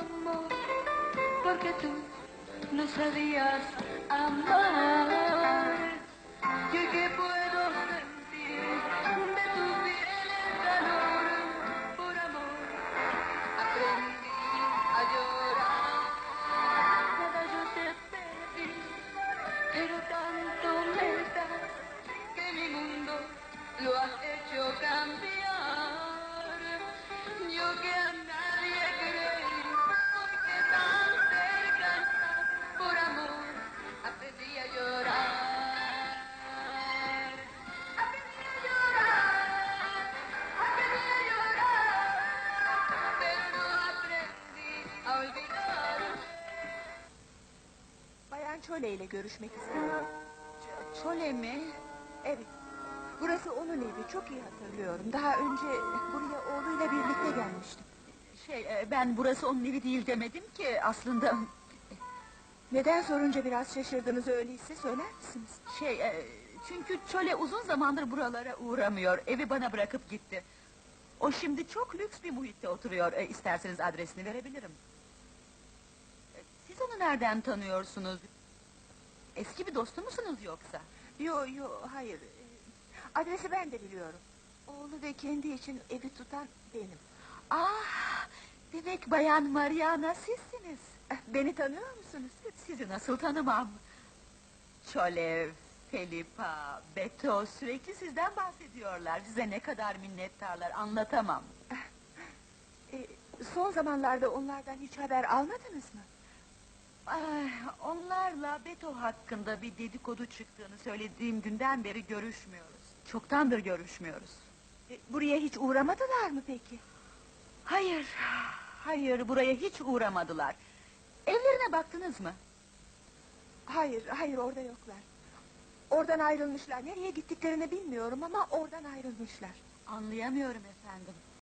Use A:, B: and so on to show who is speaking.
A: amor, porque tú no sabías amar. Y hoy que puedo sentir de tu piel el calor, por amor aprendí a llorar. Nada yo te pedí, pero tanto me das que mi mundo lo has hecho cambiar. Yo que a nadie creí, hoy que tan cerca estás, por amor aprendí a llorar. Aprendí a llorar, aprendí a llorar, pero no aprendí a olvidar.
B: Bayan Çole ile görüşmek istiyorum.
C: Çole mi?
B: Evet. Burası onun evi, çok iyi hatırlıyorum. Daha önce buraya oğluyla birlikte gelmiştim.
C: Ben burası onun evi değil demedim ki aslında...
B: Neden sorunca biraz şaşırdınız öyleyse söyler misiniz?
C: Çünkü Çole uzun zamandır buralara uğramıyor, evi bana bırakıp gitti. O şimdi çok lüks bir muhitte oturuyor, isterseniz adresini verebilirim. Siz onu nereden tanıyorsunuz? Eski bir dostu musunuz yoksa?
B: Yo, hayır. Adresi ben de biliyorum. Oğlu ve kendi için evi tutan benim.
C: Ah, demek Bayan Mariana sizsiniz.
B: Beni tanıyor musunuz?
C: Sizi nasıl tanımam? Çole, Felipa, Beto sürekli sizden bahsediyorlar. Size ne kadar minnettarlar, anlatamam.
B: Son zamanlarda onlardan hiç haber almadınız mı?
C: Onlarla Beto hakkında bir dedikodu çıktığını söylediğim günden beri görüşmüyoruz. Çoktandır görüşmüyoruz.
B: Buraya hiç uğramadılar mı peki?
C: Hayır, buraya hiç uğramadılar. Evlerine baktınız mı?
B: Hayır, orada yoklar. Oradan ayrılmışlar. Nereye gittiklerini bilmiyorum ama oradan ayrılmışlar.
C: Anlayamıyorum efendim.